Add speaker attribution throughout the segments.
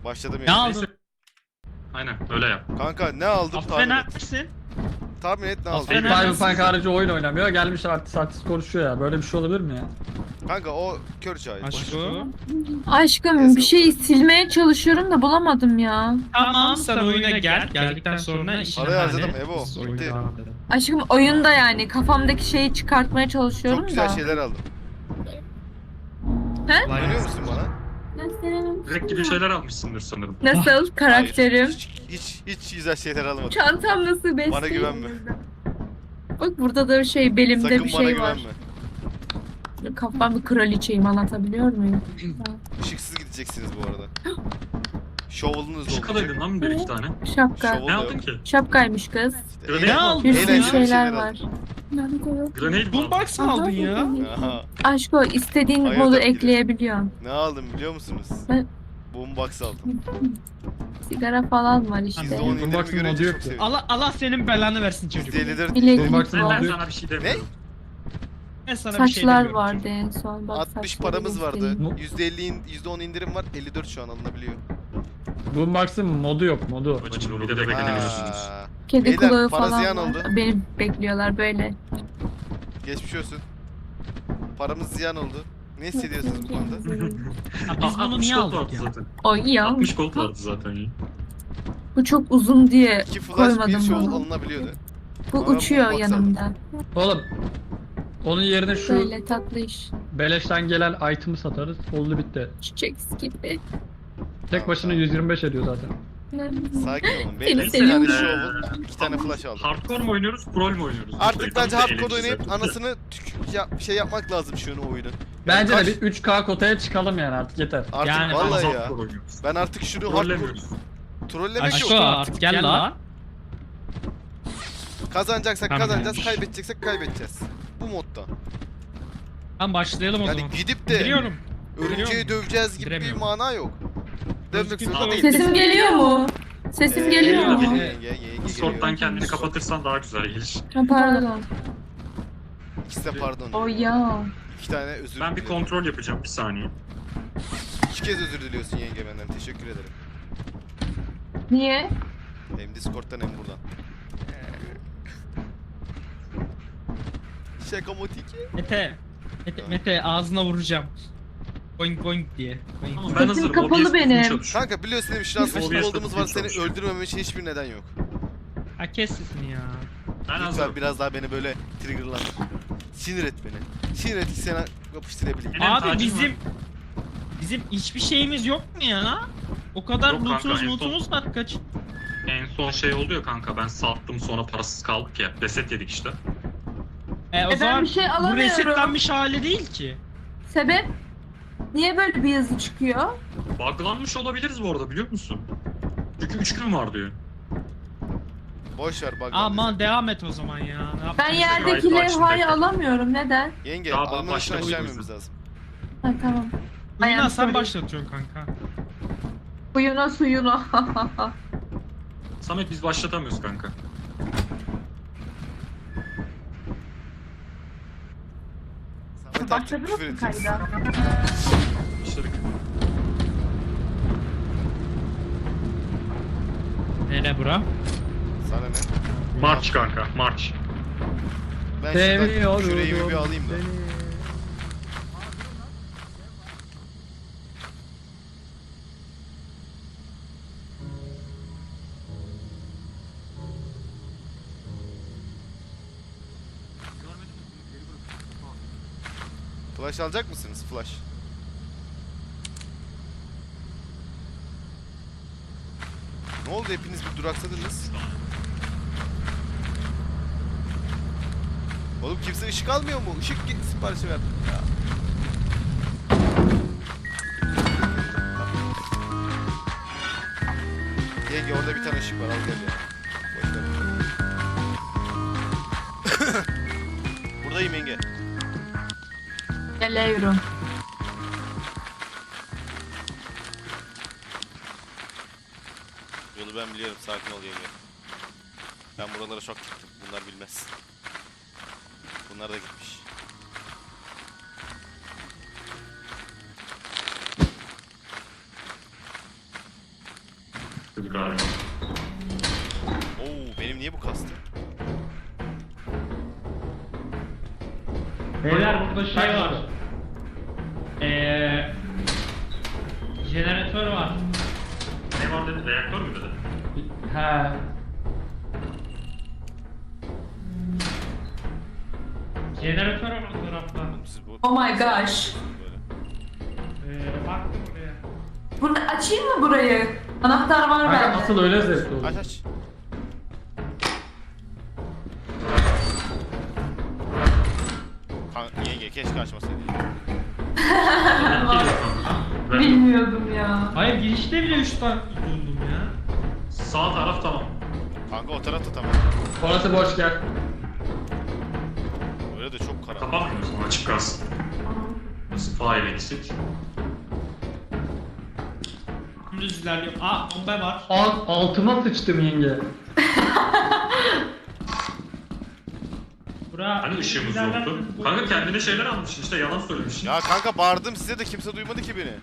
Speaker 1: Başladım
Speaker 2: Ne
Speaker 1: yani.
Speaker 2: aldın?
Speaker 3: Aynen öyle yap.
Speaker 1: Kanka ne aldım
Speaker 2: Affet
Speaker 1: tahmin et.
Speaker 2: neredesin?
Speaker 1: Tahmin et ne aldım.
Speaker 2: Affet
Speaker 4: Cyberpunk harici oyun oynamıyor. Gelmiş artist konuşuyor ya. Böyle bir şey olabilir mi ya?
Speaker 1: Kanka o kör çay.
Speaker 2: Aşkı.
Speaker 5: Aşkım bir şey silmeye çalışıyorum da bulamadım ya.
Speaker 2: Tamam sen oyuna gel. Geldikten sonra işini
Speaker 1: Parayı harcadım,
Speaker 2: hallet.
Speaker 1: Evo.
Speaker 2: Biz oyuna
Speaker 1: Bitti.
Speaker 2: devam edelim.
Speaker 5: Aşkım oyunda yani kafamdaki şeyi çıkartmaya çalışıyorum
Speaker 1: Çok güzel
Speaker 5: da.
Speaker 1: şeyler aldım.
Speaker 2: Kolay
Speaker 1: Görüyor
Speaker 2: gelsin.
Speaker 1: musun bana?
Speaker 3: Direkt gibi şeyler almışsındır sanırım.
Speaker 5: Nasıl karakterim?
Speaker 1: Hayır, hiç güzel şeyler almadım.
Speaker 5: Çantam nasıl besleyin?
Speaker 1: Bana güvenme.
Speaker 5: Bak burada da şey belimde
Speaker 1: Sakın
Speaker 5: bir
Speaker 1: bana
Speaker 5: şey var.
Speaker 1: güvenme.
Speaker 5: Kafam bir kraliçeyim, anlatabiliyor muyum?
Speaker 1: Işıksız gideceksiniz bu arada. Şovulunuz da
Speaker 3: Işık
Speaker 1: olacak.
Speaker 3: alaydın lan bir iki tane.
Speaker 5: Şapka.
Speaker 1: Şov-
Speaker 3: Ne aldın ki?
Speaker 5: Şapkaymış kız.
Speaker 1: İşte
Speaker 3: Ne aldın?
Speaker 5: Bir sürü
Speaker 1: Eğlenceli
Speaker 5: şeyler
Speaker 1: aldım.
Speaker 5: var.
Speaker 3: Grenade mi?
Speaker 2: Boombox mı aldın ya?
Speaker 1: Aha.
Speaker 5: Aşko istediğin
Speaker 1: Hayır,
Speaker 5: modu
Speaker 1: tabii ki de.
Speaker 5: ekleyebiliyorsun.
Speaker 1: Ne aldım biliyor musunuz?
Speaker 5: Ben-
Speaker 1: Boombox aldım.
Speaker 5: Sigara falan var işte.
Speaker 1: %10
Speaker 4: Boombox'un
Speaker 1: indirimi
Speaker 4: modu
Speaker 1: görünce
Speaker 4: yok
Speaker 1: çok
Speaker 4: ki.
Speaker 1: sevindim.
Speaker 2: Allah senin belanı versin çocuk.
Speaker 1: %54
Speaker 5: Bileklik
Speaker 4: Boombox'un
Speaker 5: var.
Speaker 3: Ben
Speaker 4: modu-
Speaker 3: sana bir şey demiyorum.
Speaker 2: Ben sana bir şey
Speaker 5: Saçlar
Speaker 2: demiyorum.
Speaker 5: vardı en son. Bak,
Speaker 1: 60
Speaker 5: saçları
Speaker 1: paramız vardı.
Speaker 5: göstereyim.
Speaker 1: %10 indirim var. 54 şu an alınabiliyor.
Speaker 4: Boombox'ın modu yok modu.
Speaker 3: Bacım bir de beklemiyorsunuz.
Speaker 1: Aa,
Speaker 5: Kedi
Speaker 1: Beyler,
Speaker 5: kulağı
Speaker 1: para
Speaker 5: falan
Speaker 1: ziyan
Speaker 5: var.
Speaker 1: oldu.
Speaker 5: Beni bekliyorlar böyle.
Speaker 1: geçmiş olsun. Paramız ziyan oldu. Ne hissediyorsunuz bu konuda?
Speaker 2: Ha, biz bunu
Speaker 3: 60
Speaker 2: niye
Speaker 3: gold
Speaker 2: aldık
Speaker 3: vardı
Speaker 2: ya?
Speaker 3: zaten.
Speaker 5: Ay ya.
Speaker 3: 60 gold vardı zaten ya.
Speaker 5: Bu çok uzun diye
Speaker 1: 2 flash
Speaker 5: koymadım
Speaker 1: bir shovel
Speaker 5: bunu.
Speaker 1: alınabiliyordu.
Speaker 5: Bu
Speaker 1: Ama
Speaker 5: uçuyor
Speaker 1: bu box
Speaker 5: yanımda.
Speaker 4: Oğlum. Onun yerine şu
Speaker 5: Böyle tatlı iş.
Speaker 4: beleşten gelen item'ı satarız. Oldu bitti.
Speaker 5: Çiçek gibi.
Speaker 4: Tek başına 125 ediyor zaten.
Speaker 1: Sakin olun.
Speaker 5: Seni
Speaker 1: Beyler 2
Speaker 5: seviyorum.
Speaker 1: tane shovel, 2 tane flash aldım.
Speaker 3: Hardcore mu oynuyoruz, pro mu oynuyoruz?
Speaker 1: Artık bence
Speaker 3: Tam da
Speaker 1: hardcore oynayıp
Speaker 3: eğlenceli.
Speaker 1: anasını şey yapmak lazım şu oyunun.
Speaker 4: Bence
Speaker 1: kaç-
Speaker 4: de bir 3K kotaya çıkalım yani artık yeter.
Speaker 1: Artık
Speaker 2: Yani
Speaker 1: vallahi
Speaker 3: Ama
Speaker 1: ya.
Speaker 3: hardcore oynuyoruz.
Speaker 1: Ben artık şunu hardcore
Speaker 3: Trollemiyoruz.
Speaker 1: trollemek
Speaker 2: Aşko
Speaker 1: yok.
Speaker 2: artık gel la.
Speaker 1: Kazanacaksak
Speaker 2: Tamam,
Speaker 1: kazanacağız,
Speaker 2: gelmiş.
Speaker 1: kaybedeceksek kaybedeceğiz. Bu modda.
Speaker 2: Tamam başlayalım o
Speaker 1: Yani
Speaker 2: zaman.
Speaker 1: gidip de
Speaker 2: Biliyorum.
Speaker 1: örümceği döveceğiz gibi bir
Speaker 2: Bilemiyorum.
Speaker 1: mana yok. Dövmek
Speaker 2: Özgür
Speaker 1: zorunda
Speaker 2: değil.
Speaker 1: değil.
Speaker 5: Sesim geliyor mu? Sesim geliyor mu?
Speaker 3: Discord'dan kendini kapatırsan daha güzel gelir.
Speaker 5: Ha, pardon.
Speaker 1: İkisi de pardon.
Speaker 5: O ya.
Speaker 1: 2 tane özür
Speaker 3: Ben bir
Speaker 1: diliyorum.
Speaker 3: kontrol yapacağım bir saniye.
Speaker 1: 2 kez özür diliyorsun yenge benden. Teşekkür ederim.
Speaker 5: Niye?
Speaker 1: Hem Discord'dan hem buradan. Şakamotik.
Speaker 2: Mete ağzına vuracağım. Boing boing diye. Boing.
Speaker 3: Tamam ben
Speaker 5: Sesim
Speaker 3: hazırım.
Speaker 5: kapalı
Speaker 3: OBS
Speaker 5: benim.
Speaker 3: çalışıyor.
Speaker 1: Kanka biliyorsun değil mi? Şanslı
Speaker 3: OBS
Speaker 1: olduğumuz var. Seni
Speaker 3: çalışıyor.
Speaker 1: öldürmemem için hiçbir neden yok.
Speaker 2: Ha kes sesini ya.
Speaker 3: Ben
Speaker 1: Lütfen
Speaker 3: hazırım.
Speaker 1: biraz daha beni böyle triggerlandır. Sinir et beni. Sinir et ki seni yapıştırabileyim.
Speaker 3: Benim
Speaker 2: Abi
Speaker 3: tacım
Speaker 2: bizim hiçbir şeyimiz yok mu ya? O kadar
Speaker 3: Yok kanka, en son-
Speaker 2: lootumuz var kaç.
Speaker 3: En son şey oldu ya kanka ben sattım sonra parasız kaldık ya. Reset yedik işte.
Speaker 2: O
Speaker 5: Ben
Speaker 2: zaman
Speaker 5: bir şey
Speaker 2: bu
Speaker 5: alamıyorum.
Speaker 2: resetlenmiş hali değil ki.
Speaker 5: Sebep? Niye böyle bir yazı çıkıyor?
Speaker 3: Buglanmış olabiliriz bu arada biliyor musun? Çünkü 3 gün var diyor.
Speaker 1: Boş ver bak.
Speaker 2: Aman devam et o zaman ya. Ne
Speaker 5: Ben
Speaker 2: yapacağız?
Speaker 5: yerdeki
Speaker 3: gayet
Speaker 5: levhayı
Speaker 3: başında.
Speaker 5: alamıyorum. Neden?
Speaker 1: Yenge,
Speaker 3: Daha
Speaker 1: alman için
Speaker 3: başta
Speaker 1: aşağı
Speaker 3: buydu
Speaker 1: inmemiz lazım.
Speaker 5: Ha tamam.
Speaker 2: Oyuna
Speaker 5: Ayağım
Speaker 2: sen
Speaker 5: sorry.
Speaker 2: başlatıyorsun kanka.
Speaker 5: Suyuna suyuna.
Speaker 3: Samet biz başlatamıyoruz kanka.
Speaker 1: Samet artık
Speaker 5: Başladınız
Speaker 1: küfür
Speaker 5: mı
Speaker 1: edeceksin.
Speaker 5: kayda?
Speaker 3: Başladık.
Speaker 2: Nere bura?
Speaker 1: Sana ne?
Speaker 3: March kanka march.
Speaker 1: Ben şuradan
Speaker 4: Seviyorum
Speaker 1: küreği bir alayım da.
Speaker 4: seni.
Speaker 1: Flash alacak mısınız? Flash. Ne oldu hepiniz bir duraksadınız? Oğlum kimse ışık almıyor mu? Işık siparişi verdim ya. Yenge orada bir tane ışık var al gel ya. Boş ver. Buradayım yenge.
Speaker 5: Geliyorum.
Speaker 1: Yolu ben biliyorum sakin ol yenge. Ben buralara çok gittim. Bunlar bilmez. Bunlar da gitmiş.
Speaker 3: istedik galiba.
Speaker 1: Oo benim niye bu kastı?
Speaker 2: Beyler burada şey var. Jeneratör var.
Speaker 3: Ne var dedi? Reaktör mü dedi?
Speaker 4: He.
Speaker 2: Jeneratör var o tarafta.
Speaker 1: Siz bu...
Speaker 5: Oh my gosh.
Speaker 1: Böyle.
Speaker 2: Baktım buraya.
Speaker 5: Bunu açayım mı burayı? Anahtar var
Speaker 4: Kanka
Speaker 5: bende.
Speaker 4: asıl öyle zevkli olur.
Speaker 1: Aç aç. Yenge keşke açmasaydın.
Speaker 3: Ben
Speaker 5: Bilmiyordum ya.
Speaker 2: Hayır girişte bile 3 tane buldum ya.
Speaker 3: sağ taraf tamam.
Speaker 1: Kanka o tarafta tamam.
Speaker 4: Orası boş gel.
Speaker 1: Öyle de çok karanlık.
Speaker 3: Kapatmıyor musun? Açık kalsın. Nasıl fire exit?
Speaker 2: Dümdüz ilerliyorum. Aa bomba var.
Speaker 4: Altıma sıçtım yenge.
Speaker 2: Bura.
Speaker 3: Hani ışığımız yoktu. Kanka kendine şeyler almışsın işte yalan söylemişsin.
Speaker 1: Ya kanka bağırdım size de kimse duymadı ki beni.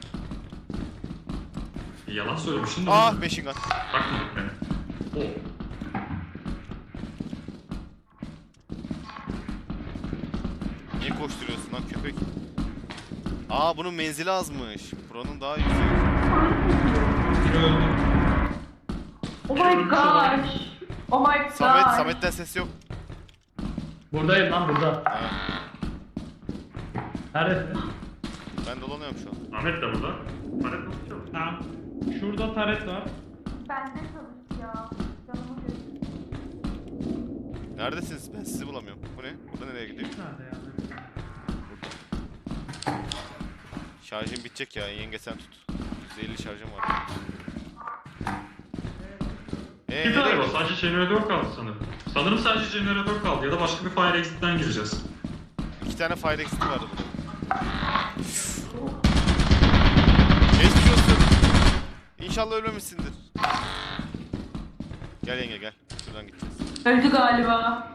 Speaker 3: Yalan söylemişsin de.
Speaker 1: Ah machine gun.
Speaker 3: Bakmadık beni. O.
Speaker 1: Niye koşturuyorsun lan köpek? Aa bunun menzili azmış. Buranın daha yüksek.
Speaker 2: Biri öldü.
Speaker 5: Oh my gosh. Oh my gosh.
Speaker 1: Samet'ten ses yok.
Speaker 4: Buradayım lan burada.
Speaker 1: Ha,
Speaker 4: Neredesin?
Speaker 1: ben dolanıyorum şu an.
Speaker 3: Ahmet de burada. Ahmet nasıl çalışıyor?
Speaker 2: Tamam. Şurada taret var.
Speaker 5: Bende çalış ya. Canımı götür.
Speaker 1: Neredesiniz? Ben sizi bulamıyorum. Bu ne? Burada nereye gidiyor?
Speaker 2: Nerede ya?
Speaker 1: Şarjım bitecek ya. Yenge sen tut. %50 şarjım var.
Speaker 3: Bir
Speaker 1: Nereye
Speaker 3: tane var.
Speaker 1: gidiyorsun?
Speaker 3: Sadece jeneratör kaldı sanırım. Sanırım sadece jeneratör kaldı ya da başka bir fire exit'ten gireceğiz.
Speaker 1: 2 tane fire exit vardı burada. Geçmiş olsun. İnşallah ölmemişsindir. Gel yenge gel. Şuradan gideceğiz.
Speaker 5: Öldü galiba.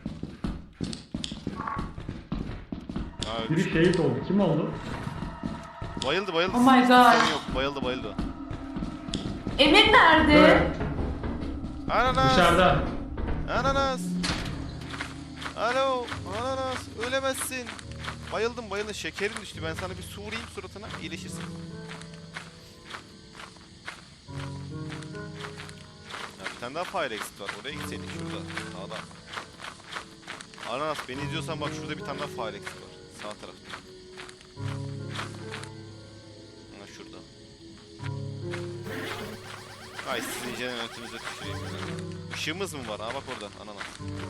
Speaker 1: Aa, ölmüş.
Speaker 4: Biri şehit oldu. Kim oldu?
Speaker 1: Bayıldı bayıldı.
Speaker 5: Oh my God.
Speaker 1: Sorun yok. Bayıldı bayıldı.
Speaker 5: Emir nerede?
Speaker 4: Evet.
Speaker 1: Ananas.
Speaker 4: Dışarıda.
Speaker 1: Ananas. Alo. Ananas. Ölemezsin. Bayıldım bayıldım. Şekerin düştü. Ben sana bir su vurayım suratına. İyileşirsin. Ya bir tane daha fire exit var. Oraya gitseydik şurada. Sağda. Ananas beni izliyorsan bak şurada bir tane daha fire exit var. Sağ tarafta. Ha şurada. Ay sizin jeneratörünüze tüküreyim. Işığımız mı var? Ha bak orada ananas.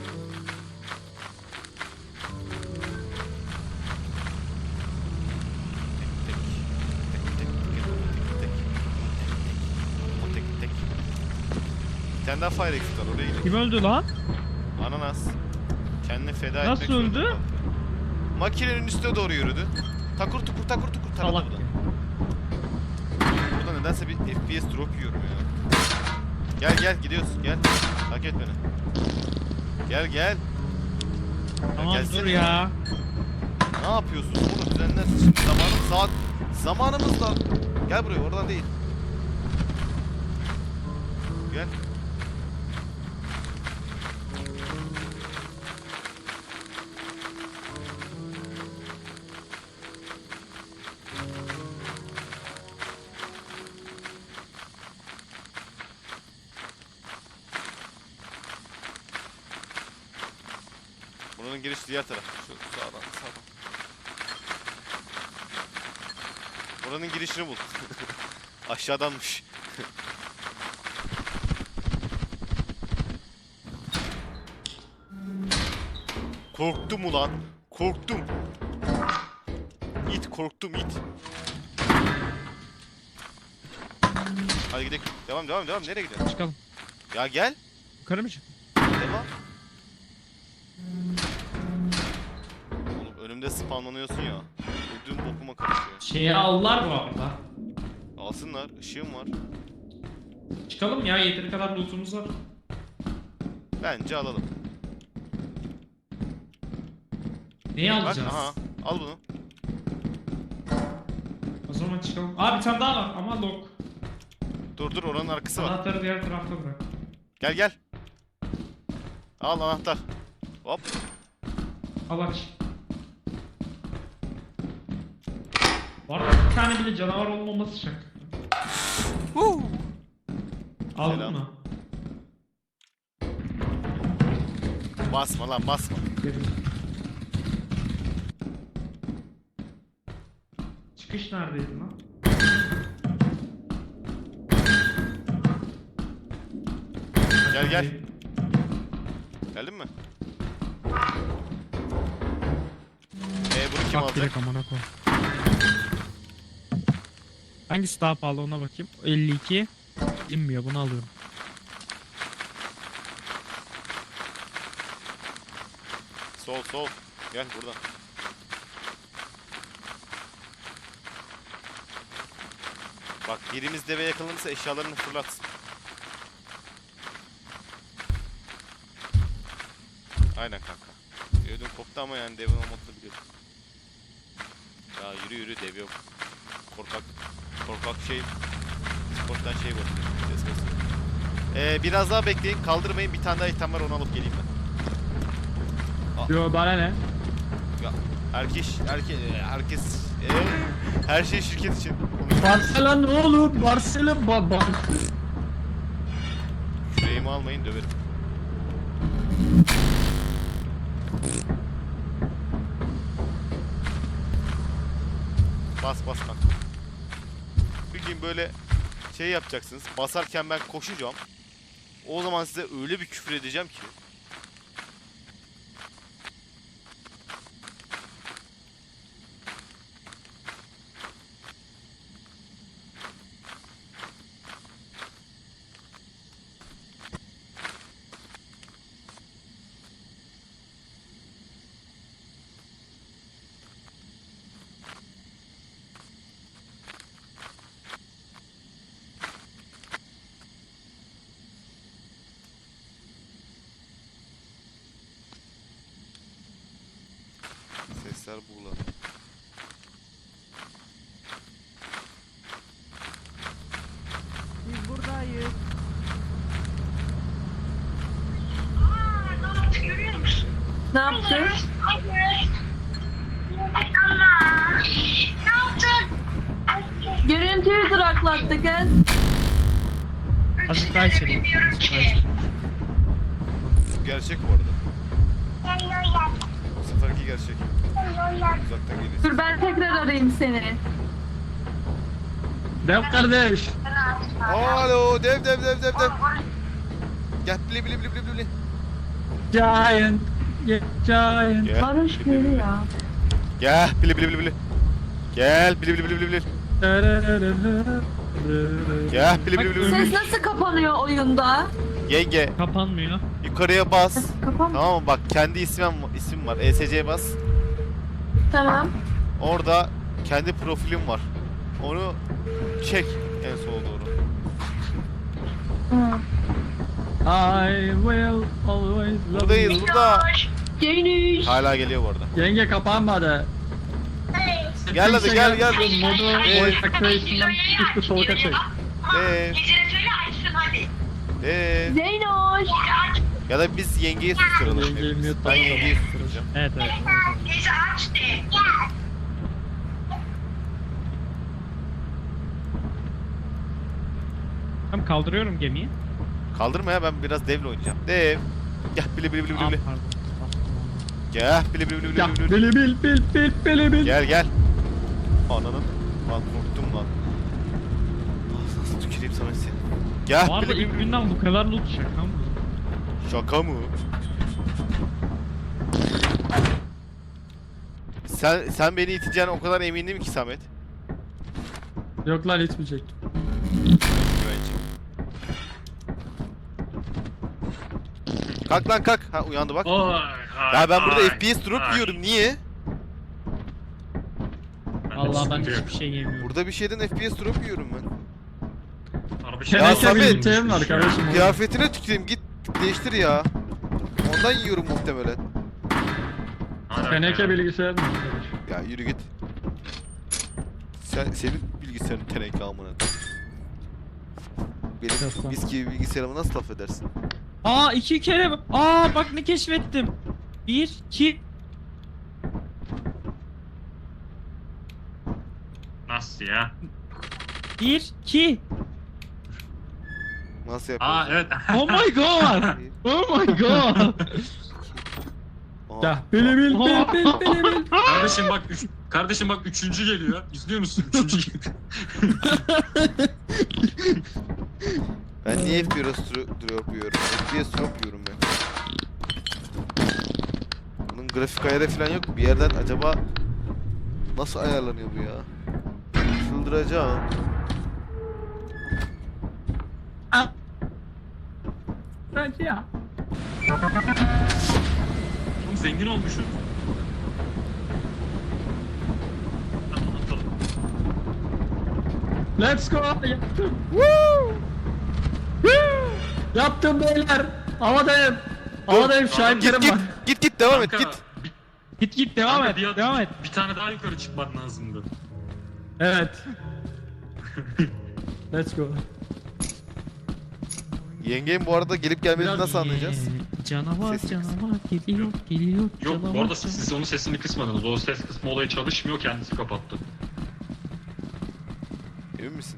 Speaker 1: Bir tane daha fire exit var oraya gidelim.
Speaker 2: Kim öldü lan?
Speaker 1: Ananas. Kendini feda
Speaker 2: Nasıl
Speaker 1: etmek zorunda
Speaker 2: öldü?
Speaker 1: kaldı. Makinenin üstüne doğru yürüdü. Takur tukur takur tukur taradı
Speaker 2: Salak.
Speaker 1: bu da. Burada nedense bir FPS drop yiyorum ya. Gel gel gidiyoruz gel. Takip et beni. Gel gel.
Speaker 2: Tamam
Speaker 1: gelsene.
Speaker 2: dur ya.
Speaker 1: Ne yapıyorsun oğlum düzenler zamanımız var. Gel buraya oradan değil. Gel. Buranın girişi diğer taraf. Şu sağdan. Buranın girişini bul. Aşağıdanmış. Korktum ulan. Korktum. İt korktum it. Hadi gidelim. Devam. Nereye gidiyorsun?
Speaker 2: Çıkalım.
Speaker 1: Ya gel.
Speaker 2: Yukarı mı çık?
Speaker 1: Devam. Oğlum önümde spamlanıyorsun ya. Ödüm bokuma karışıyor.
Speaker 2: Şeyi aldılar bu arada.
Speaker 1: Alsınlar. Işığım var.
Speaker 2: Çıkalım ya yeteri kadar lootumuz var.
Speaker 1: Bence alalım.
Speaker 2: Neyi
Speaker 1: Bak
Speaker 2: alacağız?
Speaker 1: aha. Al bunu.
Speaker 2: O zaman çıkalım. Aa bir tane daha var ama lock.
Speaker 1: Dur oranın arkası var.
Speaker 2: Anahtarı diğer tarafta bırak.
Speaker 1: Gel. Al anahtar. Hop.
Speaker 2: Al aç. Var da bir tane bile canavar olmaması şart. Aldın
Speaker 1: Selam.
Speaker 2: mı?
Speaker 1: Basma lan basma.
Speaker 2: Çıkış neredeydi lan?
Speaker 1: Gel. Geldin mi? Bunu kim
Speaker 2: Bak
Speaker 1: alacak?
Speaker 2: direkt amına koy. Hangisi daha pahalı ona bakayım. 52. İnmiyor, bunu alıyorum.
Speaker 1: Sol. Gel buradan. Bak birimiz deve yakalanırsa eşyalarını fırlatsın. Aynen kanka. Ödüm koptu ama yani devin olmadığını biliyorum. Ya yürü dev yok. Korkak şey. Sporttan şey bakıyor. Ses basıyor. Biraz daha bekleyin. Kaldırmayın. Bir tane daha item var, onu alıp geleyim ben.
Speaker 4: Yo bana ne?
Speaker 1: Ya herkes her şey şirket için.
Speaker 4: Barcelona ne olur? Barcelona baba.
Speaker 1: Yüreğimi almayın, döverim. Bas kanka. Bir gün böyle şey yapacaksınız. Basarken ben koşacağım. O zaman size öyle bir küfür edeceğim ki. Sesler buğulanıyor.
Speaker 6: Biz buradayız.
Speaker 5: Ne yaptın? Görüntüyü duraklattı kız.
Speaker 2: Azıcık daha içeri.
Speaker 1: Bu gerçek bu arada. Bu seferki gerçek. Uzaktan geliyor.
Speaker 5: Dur ben tekrar arayayım seni.
Speaker 4: Dev kardeş.
Speaker 1: Alo dev. Gel bili.
Speaker 4: Giant. Giant.
Speaker 1: Gel.
Speaker 5: Barış geliyor ya.
Speaker 1: Gel bili. Gel bili. Gel bili.
Speaker 5: Ses nasıl kapanıyor oyunda?
Speaker 1: Yenge
Speaker 2: Kapanmıyor.
Speaker 1: yukarıya bas.
Speaker 5: Kapan.
Speaker 1: Tamam mı? Bak kendi isim var. ESC'ye bas.
Speaker 5: Tamam.
Speaker 1: Orada kendi profilim var. Onu çek en sola doğru.
Speaker 5: Hı.
Speaker 4: I will always love
Speaker 1: Buradayız
Speaker 4: you.
Speaker 1: burada.
Speaker 5: Geniş.
Speaker 1: Hala geliyor bu arada.
Speaker 4: Yenge kapanmadı.
Speaker 1: Gel hadi gel.
Speaker 4: Modu voice activation'dan çıktı soğuk açık.
Speaker 1: Dev. Dev.
Speaker 5: Zeynoş.
Speaker 1: Ya da biz yengeyi susturalım.
Speaker 4: Yengeyi
Speaker 1: hepimiz.
Speaker 4: mute
Speaker 1: Ben yengeyi susturacağım.
Speaker 2: Evet. Tamam, kaldırıyorum gemiyi.
Speaker 1: Kaldırma ya, ben biraz devle oynayacağım. Dev. Gel bili.
Speaker 2: Aa, pardon.
Speaker 1: Gel bili.
Speaker 4: Ya bili bil.
Speaker 1: Gel. Ananın. Lan korktum lan. Nasıl tüküreyim sana seni. Gel
Speaker 2: Bu arada ilk günden bu kadar loot şaka mı?
Speaker 1: Şaka mı? Sen beni iteceğine o kadar emindim ki Samet.
Speaker 4: Yok lan itmeyecek.
Speaker 1: Güvenci. Kalk lan kalk. Ha uyandı bak. Ya ben burada FPS drop yiyorum. Niye?
Speaker 2: Allah ben hiçbir şey yemiyorum.
Speaker 1: Burada bir şeyden FPS drop yiyorum ben.
Speaker 3: Harbi
Speaker 1: Ya
Speaker 4: Teneke
Speaker 1: Samet.
Speaker 4: birlikteyim var kardeşim.
Speaker 1: Kıyafetine tüküreyim, git değiştir ya. Ondan yiyorum muhtemelen.
Speaker 4: Teneke bilgisayar mı?
Speaker 1: Ya yürü git. Senin bilgisayarın teneke amına. Benim
Speaker 4: Yapma.
Speaker 1: mis gibi bilgisayarımı nasıl laf edersin?
Speaker 2: Aa 2 kere. Aa bak ne keşfettim. 1 2
Speaker 3: Nasıl ya?
Speaker 2: 1 2.
Speaker 1: Nasıl
Speaker 3: Aa
Speaker 1: yapıyorsun?
Speaker 3: evet.
Speaker 2: Oh my god. Oh my god.
Speaker 1: Aha.
Speaker 4: Ya bili bil bil.
Speaker 3: Kardeşim bak üçüncü geliyor. İzliyor musun? Üçüncü geliyor.
Speaker 1: Ben niye FPS drop yiyorum? FPS drop yiyorum ben. Bunun grafik ayarı falan yok mu? Bir yerden acaba nasıl ayarlanıyor bu ya? Çıldıracağım.
Speaker 4: Bence ya.
Speaker 3: Oğlum zengin olmuşuz. Tamam, atalım.
Speaker 4: Let's go. Yaptım. Woo! Woo! Yaptım beyler. Havadayım. Havadayım şahitlerim
Speaker 1: Git
Speaker 4: var.
Speaker 1: git devam et
Speaker 3: Kanka,
Speaker 1: git.
Speaker 2: Git devam
Speaker 3: kanka,
Speaker 2: et.
Speaker 3: bir-
Speaker 2: Devam et.
Speaker 3: Bir tane daha yukarı çıkman lazımdı.
Speaker 4: Evet. Let's go.
Speaker 1: Yengem bu arada gelip gelmediğini
Speaker 4: Biraz
Speaker 1: nasıl anlayacağız?
Speaker 2: Canavar
Speaker 1: Sesini kıs.
Speaker 2: canavar geliyor geliyor.
Speaker 3: Yok
Speaker 2: canavar,
Speaker 3: bu arada
Speaker 2: canavar.
Speaker 3: siz onun sesini kısmadınız. O ses kısmı olayı çalışmıyor, kendisi kapattı.
Speaker 1: Emin misin?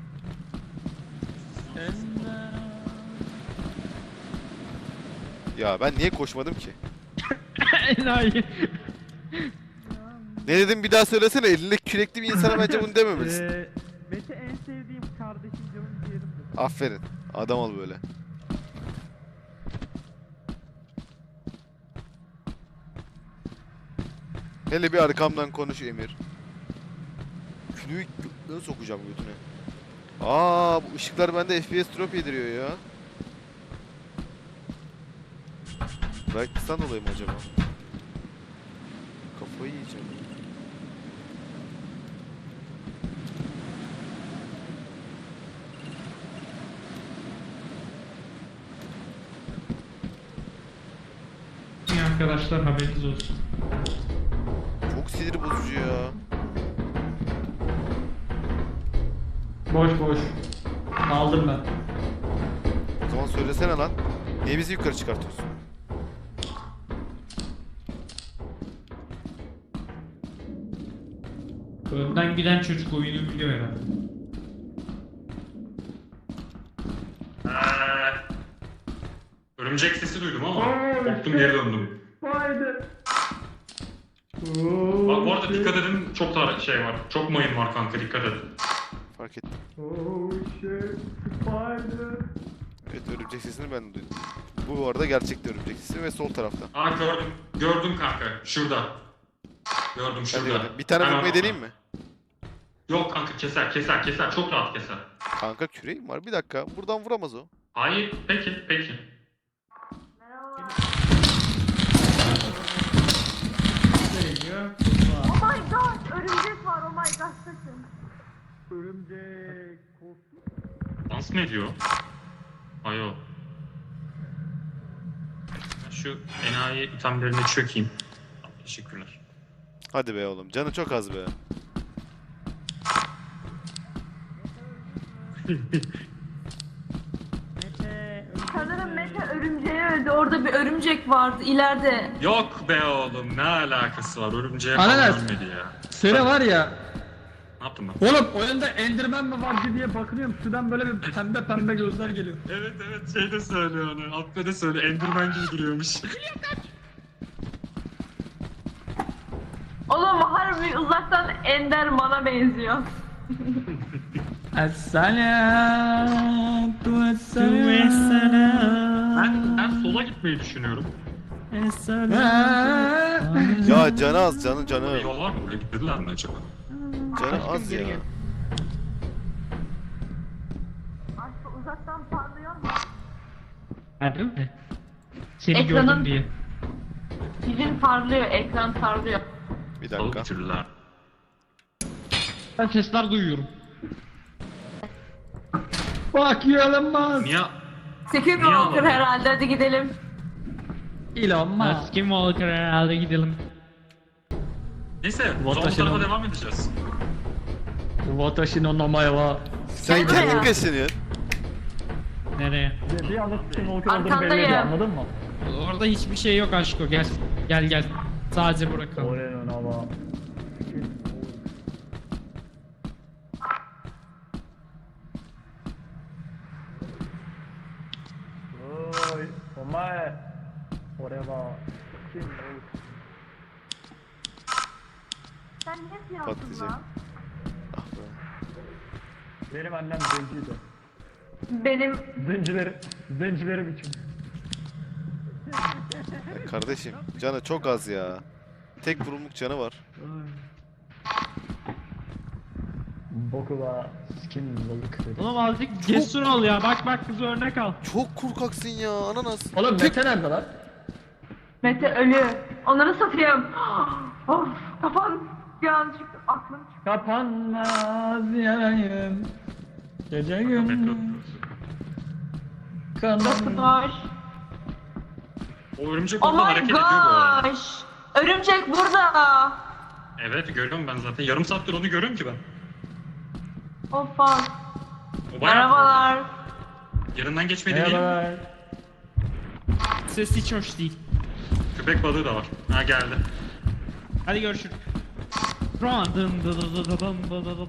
Speaker 1: Ya ben niye koşmadım ki?
Speaker 2: Enayi.
Speaker 1: Ne dedim bir daha söylesene, elinde kürekli bir insana bence bunu dememelisin.
Speaker 2: Mete en sevdiğim kardeşim canım ciğerimdir.
Speaker 1: Aferin. Adam ol böyle. Hele bir arkamdan konuş Emir. Külüyü götüne sokacağım götüne. Aa bu ışıklar bende FPS drop yediriyor ya. Brightness'tan dolayı mı acaba? Kafayı yiyeceğim.
Speaker 2: İyi arkadaşlar haberiniz olsun.
Speaker 1: Çok sinir bozucu ya.
Speaker 4: Boş boş. Aldım ben.
Speaker 1: O zaman söylesene lan. Niye bizi yukarı çıkartıyorsun?
Speaker 2: Önden giden çocuk oyunu biliyor herhalde.
Speaker 3: Örümcek sesi duydum ama korktum geri döndüm.
Speaker 4: Haydi.
Speaker 3: Bak bu arada dikkat edin, çok da şey var. Çok mayın var kanka, dikkat edin.
Speaker 1: Fark ettim.
Speaker 4: Oh shit. Spider.
Speaker 1: Evet, örümcek sesini ben de duydum. Bu arada gerçekte örümcek sesi ve sol tarafta.
Speaker 3: Aa gördüm. Gördüm kanka. Şurada. Gördüm
Speaker 1: Hadi
Speaker 3: şurada.
Speaker 1: hadi. Bir tane
Speaker 3: Hemen
Speaker 1: vurmayı
Speaker 3: orada.
Speaker 1: deneyeyim mi?
Speaker 3: Yok kanka, keser. Çok rahat keser.
Speaker 1: Kanka küreğim var. Bir dakika. Buradan vuramaz o.
Speaker 3: Hayır, peki.
Speaker 5: Oh my god, örümcek var. Oh my god, sakın.
Speaker 4: Örümcek.
Speaker 3: Dans mı ediyor? Ayo. Ben şu enayi itemlerine çökeyim. Teşekkürler.
Speaker 1: Hadi be oğlum. Canı çok az be.
Speaker 5: Sanırım Mete örümceği öldü. Orada bir örümcek vardı ileride.
Speaker 3: Yok be oğlum, ne alakası var? Örümceğe
Speaker 4: Ananas.
Speaker 3: falan ölmedi ya.
Speaker 4: Sene var ya.
Speaker 3: Ne yaptım ben?
Speaker 4: Oğlum oyunda Enderman mi var diye bakınıyorum. Şuradan böyle bir pembe gözler geliyor.
Speaker 3: Evet şey de söylüyor onu. Alppe de söylüyor. Enderman gibi duruyormuş.
Speaker 5: Oğlum harbi uzaktan Enderman'a benziyor.
Speaker 4: Esselam.
Speaker 3: Ben sola gitmeyi düşünüyorum.
Speaker 1: Ya canı az. Canı.
Speaker 3: Yol var mı? Buraya gitmediler mi acaba?
Speaker 1: Canı az ya.
Speaker 5: Aslında uzaktan parlıyor mu?
Speaker 2: Harbi mi? Seni
Speaker 5: Ekranın-
Speaker 2: gördüm diye.
Speaker 5: Sizin parlıyor, ekran parlıyor.
Speaker 1: Bir
Speaker 3: Salı
Speaker 1: dakika.
Speaker 3: bitirdiler.
Speaker 2: Ben sesler duyuyorum.
Speaker 4: Bak yalanmaz.
Speaker 3: Niye?
Speaker 5: Secret
Speaker 3: Niye
Speaker 5: Walker
Speaker 3: alalım?
Speaker 5: herhalde, hadi gidelim.
Speaker 4: Elon Musk.
Speaker 2: Skinwalker herhalde gidelim.
Speaker 3: Neyse, o zaman bu
Speaker 4: Watashi
Speaker 3: tarafa
Speaker 4: no-
Speaker 3: devam edeceğiz.
Speaker 4: Watashi no namae wa.
Speaker 1: Sen
Speaker 5: Gel
Speaker 1: kendin
Speaker 5: buraya.
Speaker 1: kaçınıyorsun.
Speaker 2: Nereye?
Speaker 4: Bir anda Skinwalker olduğunu belli
Speaker 5: Arkandayım.
Speaker 4: ediyor, anladın mı?
Speaker 2: Orada hiçbir şey yok aşko, gel. Gel gel. Sadece bırakalım.
Speaker 4: Oraya ama. Oy, omae. Oraya
Speaker 5: Sen ne yapıyorsun
Speaker 1: Patlayacak.
Speaker 5: lan?
Speaker 1: Ah be.
Speaker 4: Benim annem zenciydi.
Speaker 5: Benim
Speaker 4: Zencileri biçim.
Speaker 1: Ya kardeşim canı çok az ya. Tek vurumluk canı var.
Speaker 4: Boku da Skinwalker.
Speaker 2: Oğlum azıcık cesur ol ya, bak bak kız örnek al.
Speaker 1: Çok korkaksın ya ananas.
Speaker 4: Oğlum Mete nerede lan?
Speaker 5: Mete ölü. Onları satayım. Of kafam birazcık aklım çıktı.
Speaker 4: Kapanmaz yarayım. Gece gündüz. Kanım.
Speaker 5: Doktor.
Speaker 3: O örümcek
Speaker 5: Oh
Speaker 3: orada
Speaker 5: my
Speaker 3: hareket ediyor bu arada.
Speaker 5: gosh. Örümcek burada.
Speaker 3: Evet görüyorum ben zaten. Yarım saattir onu görüyorum ki ben.
Speaker 5: Of fuck.
Speaker 3: O bayağı
Speaker 5: Merhabalar.
Speaker 3: yanından geçmedi değil.
Speaker 4: Merhabalar.
Speaker 2: Ses hiç hoş değil.
Speaker 3: Köpek balığı da var. Ha geldi.
Speaker 2: Hadi görüşürüz. Run dın dı dı dı dı dın dı dı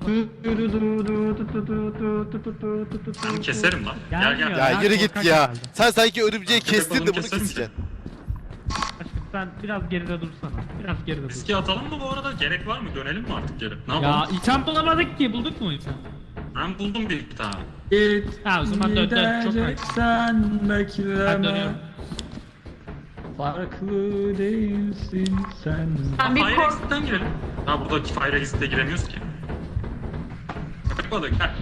Speaker 2: dı dı.
Speaker 3: Ben keserim lan. Gel
Speaker 2: Gelmiyor.
Speaker 3: gel.
Speaker 1: Ya
Speaker 2: Ya
Speaker 1: yürü git
Speaker 2: korkak
Speaker 1: ya.
Speaker 2: herhalde.
Speaker 1: Sen sanki örümceği
Speaker 3: Köpek
Speaker 1: kestin de
Speaker 3: balığını
Speaker 1: bunu
Speaker 3: keser misin?
Speaker 1: keseceksin.
Speaker 2: Aşkım sen biraz geride dursana. Biraz geride dur.
Speaker 3: Riski atalım mı bu arada? Gerek var mı? Dönelim mi artık geri? Ne
Speaker 2: Ya
Speaker 3: yapalım?
Speaker 2: item bulamadık ki, bulduk mu item?
Speaker 3: Ben buldum bir tane.
Speaker 4: Git.
Speaker 2: Ha o zaman dön dön, çok hayır.
Speaker 4: Sen
Speaker 2: Ben
Speaker 4: bekleme.
Speaker 2: dönüyorum.
Speaker 4: Farklı değilsin sen.
Speaker 5: Ben bir
Speaker 3: Fire
Speaker 5: kork...
Speaker 3: Exit'ten girelim. Ha burada Fire Exit'e giremiyoruz ki. Köpek balığı gel.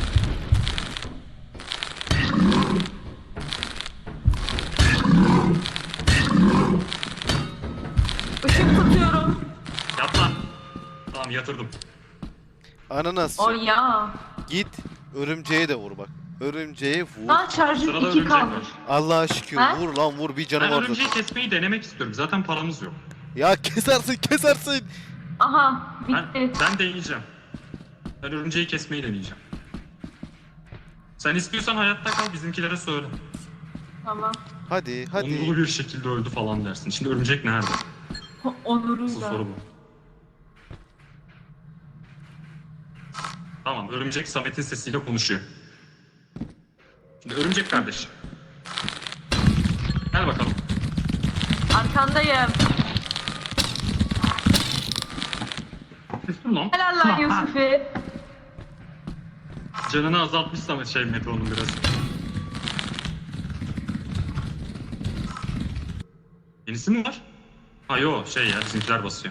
Speaker 5: Işık tutuyorum.
Speaker 3: Yat lan. Tamam yatırdım.
Speaker 1: Ananas
Speaker 5: O ya.
Speaker 1: git örümceğe de vur bak. Örümceğe vur.
Speaker 5: Daha şarjım
Speaker 3: Sırada
Speaker 5: 2
Speaker 3: örümcek
Speaker 5: kalmış.
Speaker 3: var.
Speaker 1: Allah'a şükür
Speaker 5: Ha?
Speaker 1: vur lan vur bir canı
Speaker 3: Ben
Speaker 1: var
Speaker 3: örümceği
Speaker 1: zaten.
Speaker 3: kesmeyi denemek istiyorum. Zaten paramız yok.
Speaker 1: Ya kesersin.
Speaker 5: Aha
Speaker 3: Ben,
Speaker 5: bitti.
Speaker 3: ben deneyeceğim. Ben örümceği kesmeyi deneyeceğim. Sen istiyorsan hayatta kal, bizimkilere söyle.
Speaker 5: Tamam.
Speaker 1: Hadi
Speaker 3: Onurlu bir şekilde öldü falan dersin. Şimdi örümcek nerede? Asıl
Speaker 5: Onuruyla.
Speaker 3: soru bu. Tamam, örümcek Samet'in sesiyle konuşuyor. Şimdi örümcek kardeş. Gel bakalım.
Speaker 5: Arkandayım.
Speaker 3: Kestim lan.
Speaker 5: Helal lan Yusuf'i.
Speaker 3: Canını azaltmış Samet Metron'un biraz. Yenisi mi var? Ha yo ya bizimkiler basıyor.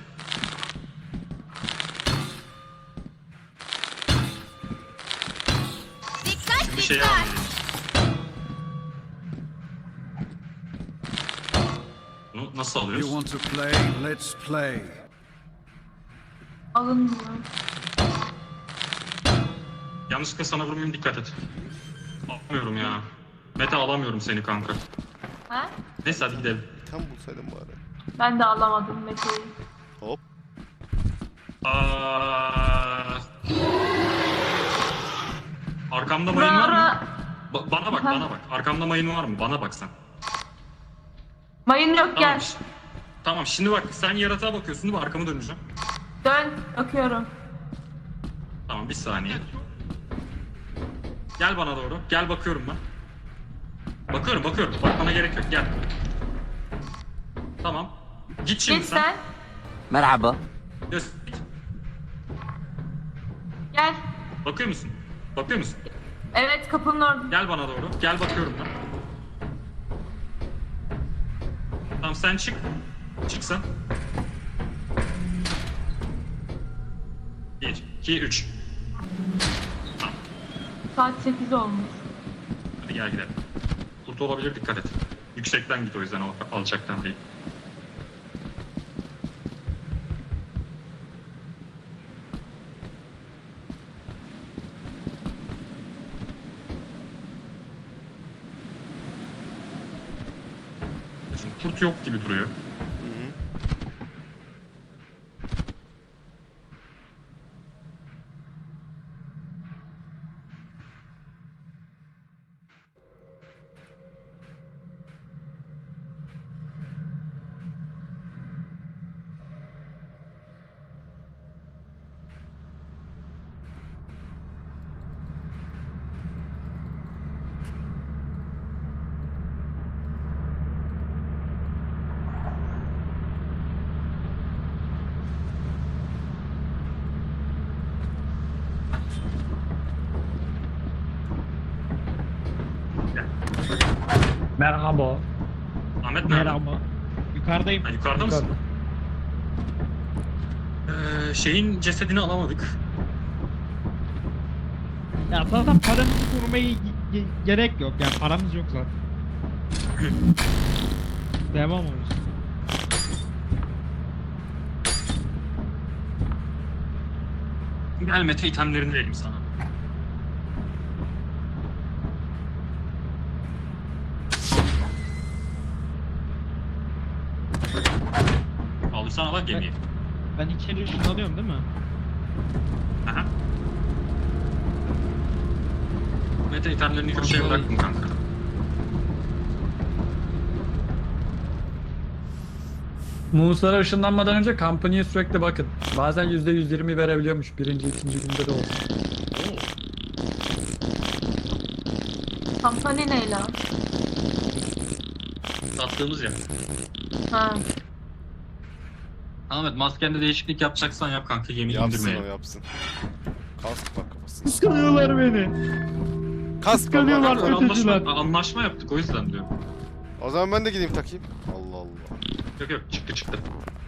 Speaker 3: Bir şey almayayım. Bunu nasıl
Speaker 6: You
Speaker 3: alıyoruz?
Speaker 6: want to play? Let's play.
Speaker 5: Alınmıyor.
Speaker 3: Yanlışlıkla sana vurmayayım dikkat et. Alamıyorum ya. Mete alamıyorum seni kanka.
Speaker 5: Ha?
Speaker 3: Neyse hadi gidelim.
Speaker 1: Tam bulsaydım bari.
Speaker 5: Ben de alamadım Mete'yi.
Speaker 1: Hop.
Speaker 3: Aa... Arkamda mayın var mı?
Speaker 5: Ara...
Speaker 3: Bana bak, bana bak. Arkamda mayın var mı? Bana bak sen.
Speaker 5: Mayın yok
Speaker 3: Tamam.
Speaker 5: gel.
Speaker 3: Tamam şimdi bak sen yaratığa bakıyorsun değil mi? Arkamı döneceğim.
Speaker 5: Dön. Bakıyorum.
Speaker 3: Tamam bir saniye. Gel bana doğru. Gel bakıyorum ben. Bakıyorum. Bakmana gerek yok. Gel. Tamam. Git şimdi
Speaker 5: Git
Speaker 3: sen.
Speaker 5: sen.
Speaker 7: مرحبا
Speaker 3: Göz-
Speaker 5: Gel.
Speaker 3: Bakıyor musun? Bakıyor musun?
Speaker 5: Evet kapının orada.
Speaker 3: Gel bana doğru. Gel bakıyorum ben. Tamam sen çık. Çık sen. 1, 2, 3.
Speaker 5: Saat 8 olmuş.
Speaker 3: Hadi gel gidelim. Kurt olabilir dikkat et. Yüksekten git o yüzden alçaktan değil. Şimdi kurt yok gibi duruyor.
Speaker 4: Merhaba.
Speaker 3: Ahmet nerede?
Speaker 2: Merhaba. Yukarıdayım.
Speaker 3: Ha, yukarıda mısın? Şeyin cesedini alamadık.
Speaker 2: Ya zaten paramızı korumaya gerek yok. Yani paramız yok zaten. Devam olsun.
Speaker 3: Gel Mete itemlerini vereyim sana. Aldırsana bak gemiyi.
Speaker 2: Ben içeri ışınlanıyorum değil mi?
Speaker 3: Aha. Mete itemlerini köşeye bıraktım kanka.
Speaker 4: Muslara ışınlanmadan önce kampanyaya sürekli bakın. Bazen %120 verebiliyormuş birinci, ikinci günde de olsun.
Speaker 5: Kampanya ne lan?
Speaker 3: Sattığımız ya.
Speaker 5: Ha.
Speaker 3: Ahmet maskende değişiklik yapacaksan yap kanka, gemiyi
Speaker 1: Yapsın o
Speaker 3: indirmeyelim.
Speaker 1: yapsın. Kask bak kafasına.
Speaker 2: Kıskanıyorlar beni.
Speaker 1: Kask
Speaker 2: Kıskanıyorlar.
Speaker 1: bak.
Speaker 2: Öteciler.
Speaker 3: Anlaşma yaptık o yüzden diyorum.
Speaker 1: O zaman ben de gideyim takayım. Allah Allah.
Speaker 3: Yok çıktı.